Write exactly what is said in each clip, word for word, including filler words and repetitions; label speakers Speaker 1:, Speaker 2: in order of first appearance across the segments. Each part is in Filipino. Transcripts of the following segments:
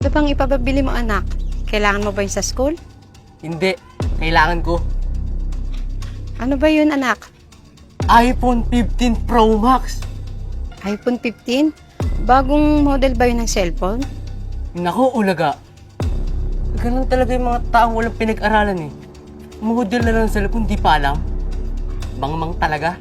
Speaker 1: Ano bang ipapabili mo, anak? Kailangan mo ba yun sa school?
Speaker 2: Hindi. Kailangan ko.
Speaker 1: Ano ba yun, anak?
Speaker 2: iPhone fifteen Pro Max.
Speaker 1: iPhone fifteen? Bagong model ba yun ng cellphone?
Speaker 2: Naku, ulaga. Ganun talaga yung mga taong walang pinag-aralan eh. Model na lang sa cellphone, di pa alam. Bangmang talaga.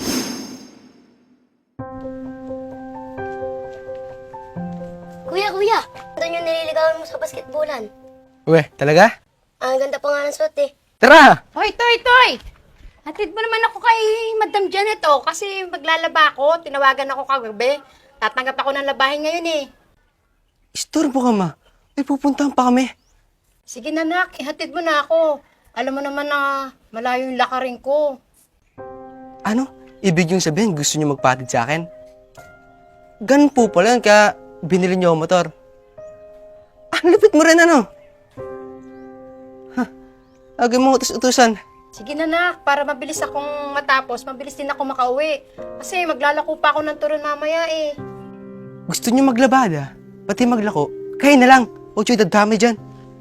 Speaker 3: Kuya, kuya! Ganda yung nililigawan mo sa basketballan.
Speaker 2: Uwe, talaga?
Speaker 3: Ang ganda pa nga ng suot eh.
Speaker 2: Tara!
Speaker 1: Hoy, Toy, Toy! Hatid mo naman ako kay Madam Janet, oh, kasi maglalaba ako. Tinawagan ako kagabi. Tatanggap ako ng labahin ngayon, eh.
Speaker 2: Istorbo ka, ma. May pupuntahan pa kami.
Speaker 1: Sige na, nak. Ihatid mo na ako. Alam mo naman na malayo yung lakarin ko.
Speaker 4: Ano? Ibig yung sabihin, gusto niyo magpatid sa akin? Ganun po pala yun, kaya binili niyo ang motor. Ang lupit mo rin, ano? Ha? Agay mo utus-utusan.
Speaker 1: Sige na, nak. Para mabilis akong matapos, mabilis din ako makauwi. Kasi maglalako pa ako ng turon mamaya, eh.
Speaker 4: Gusto niyo maglabada? Pati maglako? Kayo na lang. Huwag niyo dadami dyan.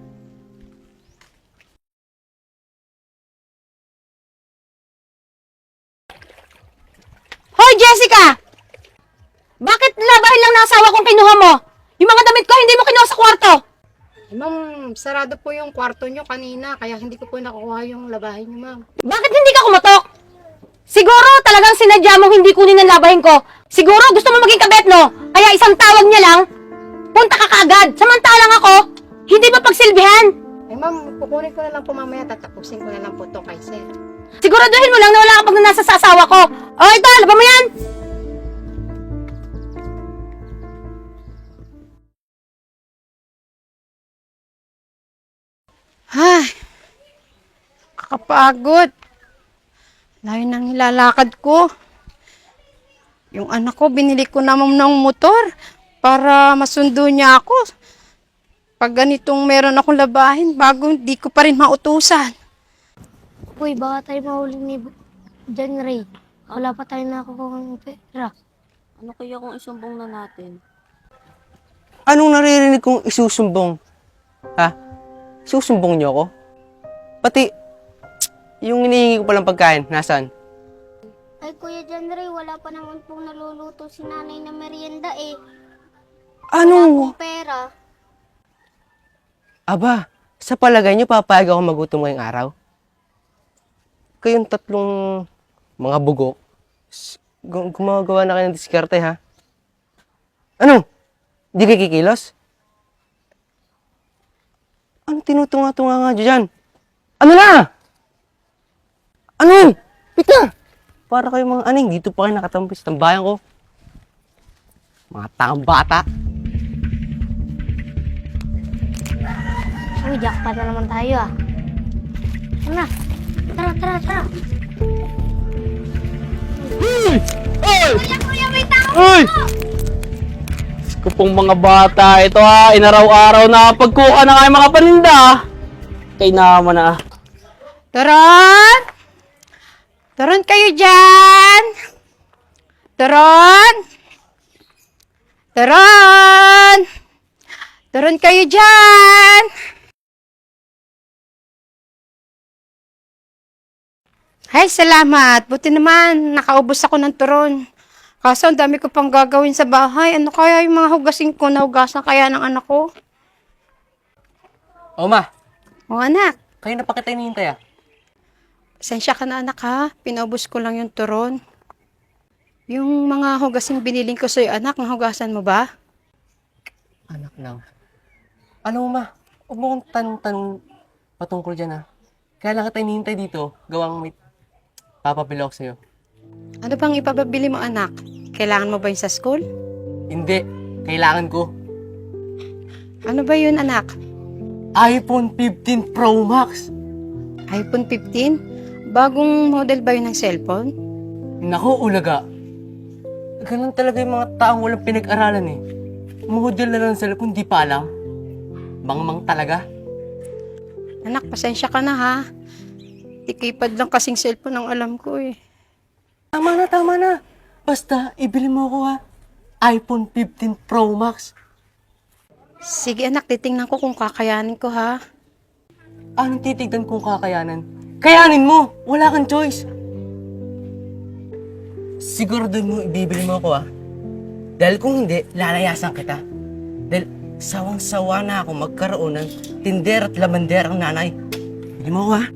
Speaker 5: Hoy, Jessica! Bakit labahin lang ng asawa kong kinuha mo? Yung mga damit ko, hindi mo kinuha sa kwarto.
Speaker 1: Eh, ma'am, sarado po yung kwarto nyo kanina, kaya hindi ko po nakuha yung labahin nyo, ma'am.
Speaker 5: Bakit hindi ka kumatok? Siguro talagang sinadya mong hindi kunin ang labahin ko. Siguro gusto mo maging kabet, no? Kaya isang tawag niya lang, punta ka kaagad. Samantalang ako, hindi ba pagsilbihan?
Speaker 1: Eh, ma'am, kukunin ko na lang po mamaya, tatapusin ko na lang po to kay sir.
Speaker 5: Siguraduhin mo lang na wala ka pag nasa sa asawa ko. O ito, laban mo yan!
Speaker 1: Ay, kakapagod. Layo nang nilalakad ko. Yung anak ko, binili ko naman ng motor para masundo niya ako. Pag ganitong meron akong labahin, bago hindi ko pa rin mautusan.
Speaker 3: Uy, baka tayo mahuli ni John Ray. Wala pa tayo nakukuha ng pera.
Speaker 6: Ano kaya kung isumbong na natin?
Speaker 4: Anong naririnig kong isusumbong? Ha? Susumbong niyo ako? Pati, yung hinihingi ko palang pagkain, nasaan?
Speaker 3: Ay, Kuya John Ray, wala pa naman pong naluluto si nanay na merienda eh.
Speaker 4: Ano?
Speaker 3: Pera.
Speaker 4: Aba, sa palagay niyo papayag ako magutom ngayong araw? Kayong tatlong mga bugok, s- gu- gumagawa na kayo ng diskarte, ha? Ano? Di kayo kikilos? Ano tinutunga-tunga nga dyan? Ano na? Ano? Pika! Para kayo mga aning, dito pa kayo nakatampis ng bayan ko. Mga tangang bata.
Speaker 3: Uy, jackpot na naman tayo ah. Ano na? Tara, tara, tara. Kuya, kuya, may tao
Speaker 2: Uy! Ko pong mga bata, ito ha, inaraw-araw na pagkuha na kayo mga paninda. Kay naman na.
Speaker 1: Turon! Turon kayo dyan! Turon! Turon! Turon kayo dyan! Ay, salamat. Buti naman, nakaubos ako ng turon. Kaso, ang dami ko pang gagawin sa bahay. Ano kaya yung mga hugasin ko? Nahugasan kaya ng anak ko?
Speaker 4: O ma,
Speaker 1: O anak,
Speaker 4: kayo na pa kita hinihintay ah.
Speaker 1: pasensya ka na anak ha. Pinaubos ko lang yung turon. Yung mga hugasing biniling ko sa'yo, anak, nahugasan mo ba?
Speaker 4: Anak lang. Ano ma, huwag mo kong tanong-tanong patungkol dyan ah. Kaya lang kita hinihintay dito, gawang may papabili ako sa'yo.
Speaker 1: Ano bang ipapabili mo, anak? Kailangan mo ba yun sa school?
Speaker 4: Hindi, kailangan ko.
Speaker 1: Ano ba yun, anak?
Speaker 4: iPhone fifteen Pro Max.
Speaker 1: iPhone fifteen? Bagong model ba yun ng cellphone?
Speaker 4: Naku, ulaga. Ganun talaga yung mga taong walang pinag-aralan eh. Model na lang sa cellphone, di pa alam. Bangmang talaga.
Speaker 1: Anak, pasensya ka na ha. Ikipad lang kasing cellphone ang alam ko eh.
Speaker 4: Tama na, tama na. Basta, ibili mo ko ha. iPhone fifteen Pro Max.
Speaker 1: Sige anak, titingnan ko kung kakayanin ko ha.
Speaker 2: Anong titignan kung kakayanan? Kayanin mo! Wala kang choice! Siguro doon mo ibibili mo ako ah. Dahil kung hindi, lalayasan kita. Dahil sawang-sawa na ako magkaroon ng tinder at lamander ang nanay. Bili mo ako ah.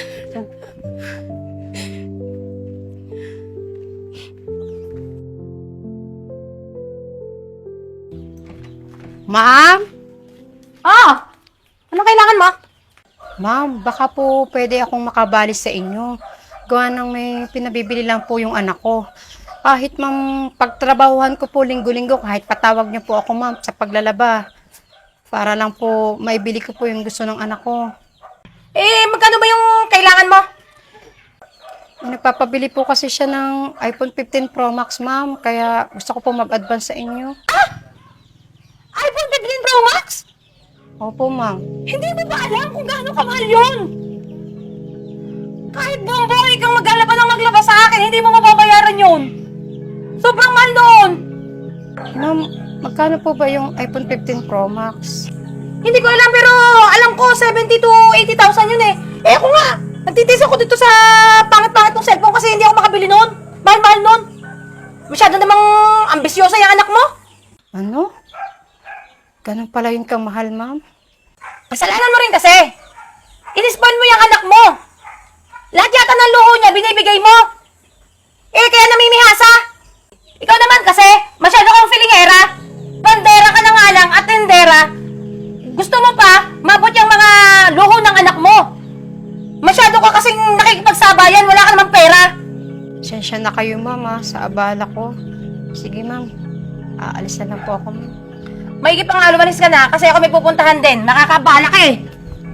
Speaker 1: Ma'am?
Speaker 5: Ah! Ano kailangan mo?
Speaker 1: Ma'am, baka po pwede akong makabali sa inyo. Gawa ng may pinabibili lang po yung anak ko. Kahit ma'am, pagtrabahuhan ko po linggo-linggo, kahit patawag niyo po ako ma'am sa paglalaba. Para lang po maibili ko po yung gusto ng anak ko.
Speaker 5: Eh, magkano ba yung kailangan mo?
Speaker 1: Nagpapabili po kasi siya ng iPhone fifteen Pro Max ma'am, kaya gusto ko po mag-advance sa inyo.
Speaker 5: iPhone fifteen Pro Max?
Speaker 1: Opo ma'am.
Speaker 5: Hindi mo ba alam kung gaano kamahal yun? Kahit buong buhay kang maglaba ng maglaba sa akin, hindi mo mababayaran yun. Sobrang mahal noon.
Speaker 1: Ma'am, magkano po ba yung iPhone fifteen Pro Max?
Speaker 5: Hindi ko alam pero alam ko seventy to eighty thousand yun eh. Eh ako nga, nagtitis ako dito sa pangit-pangit ng cellphone kasi hindi ako makabili noon. Mahal-mahal noon. Masyado namang ambisyosa yung anak mo.
Speaker 1: Ano? Ganun pala yun kamahal ma'am?
Speaker 5: Kasalanan mo rin kasi. Inispoil mo yung anak mo. Lahat yata ng luho niya binibigay mo. Eh kaya namimihasa. Ikaw naman kasi, masyado kang filingera. Bandera ka na nga lang at tendera. Gusto mo pa, mabot yung mga luho ng anak mo. Masyado ka kasing nakikipagsabayan, wala ka namang pera.
Speaker 1: Sensya na kayo ma'am ah, sa abala ko. Sige ma'am, aalis na lang po ako ma'am.
Speaker 5: Maigi pa nga lumalis ka na kasi ako may pupuntahan din. Nakakabala ka eh.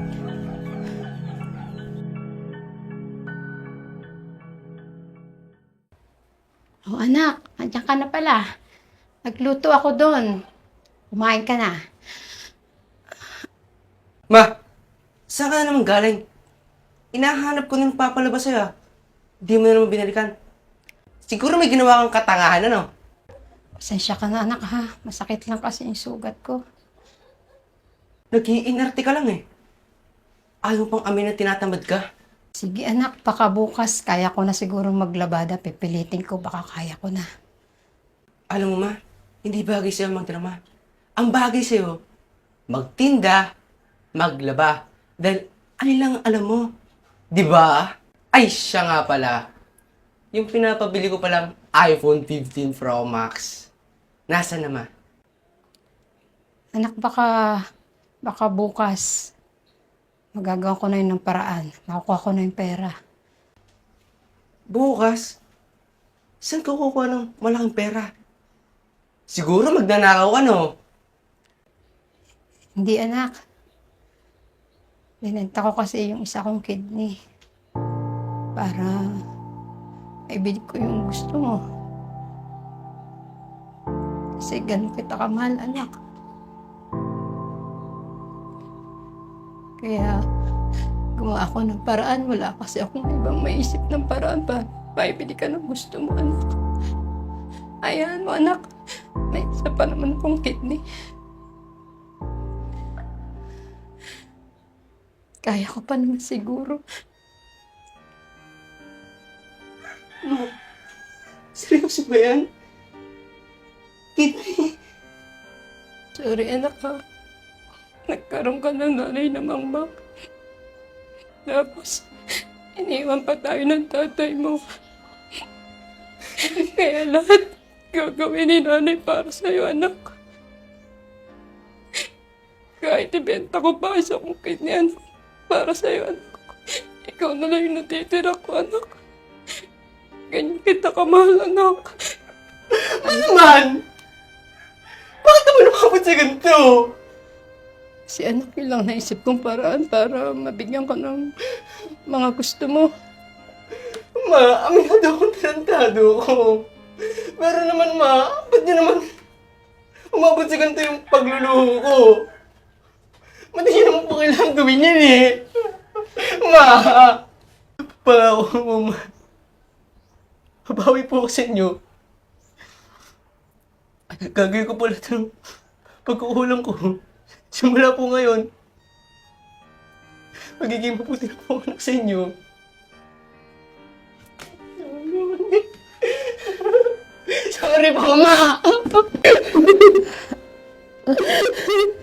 Speaker 1: Oh anak, andyan ka na pala. Nagluto ako doon. Kumain ka na.
Speaker 4: Ma, saan ka na naman galing? Inahanap ko nang papalabas sa'yo ah. Di mo na naman binalikan. Siguro may ginawa kang katangahan, ano?
Speaker 1: Pasensya ka na anak ha. Masakit lang kasi yung sugat ko.
Speaker 4: Nag-iinarte ka lang eh. Ayaw pang amin na tinatamad ka.
Speaker 1: Sige anak, baka bukas kaya ko na siguro maglabada. Pipilitin ko, baka kaya ko na.
Speaker 4: Alam mo ma, hindi bagay sa'yo magdrama. Ang bagay sa'yo, magtinda, maglaba. Dahil ano lang alam mo. Di ba? Ay, siya nga pala. Yung pinapabili ko palang iPhone fifteen Pro Max. Nasa na ma?
Speaker 1: Anak, baka, baka bukas magagawa ko na yun ng paraan. Makukuha ko na yung pera.
Speaker 4: Bukas? Saan ka kukuha ng malaking pera? Siguro magnanakaw ka, no?
Speaker 1: Hindi anak. Binenta ko kasi yung isa kong kidney. Para maibili ko yung gusto mo. Kasi ganun kita kamahal, anak. Kaya gumawa ako ng paraan. Wala kasi akong ibang maisip ng paraan pa. Maibili ka ng gusto mo, anak. Ayan mo, anak. May isa pa naman akong kidney. Kaya ko pa naman siguro.
Speaker 4: Seryoso ba yan? Kidney?
Speaker 1: Sorry, anak ha. Nagkaroon ka ng nanay na mangmak. Tapos, iniwan pa tayo ng tatay mo. Kaya lahat gagawin ni nanay para sa'yo, anak. Kahit ibenta ko pa isa kong kidney, anak. Para sa'yo, anak. Ikaw na lang yung natitira ko, anak. Ganyan kita kamahal, anak.
Speaker 4: Ano man? Bakit naman nakapot sa ganito?
Speaker 1: Si anak yun lang naisip kong paraan para mabigyan ka ng mga gusto mo.
Speaker 4: Ma, aminado akong tarantado ko. Pero naman ma, ba't niyo naman umabot sa ganito yung pagluluho ko? Ba't niyo naman po kailangan gawin yan eh? Ma, pangako mo ma. Habawi po ako sa inyo. Gagawin ko pala ng pagkukulang ko. Simula po ngayon, magiging mabuti na po ako anak sa inyo. Sorry po, Ma!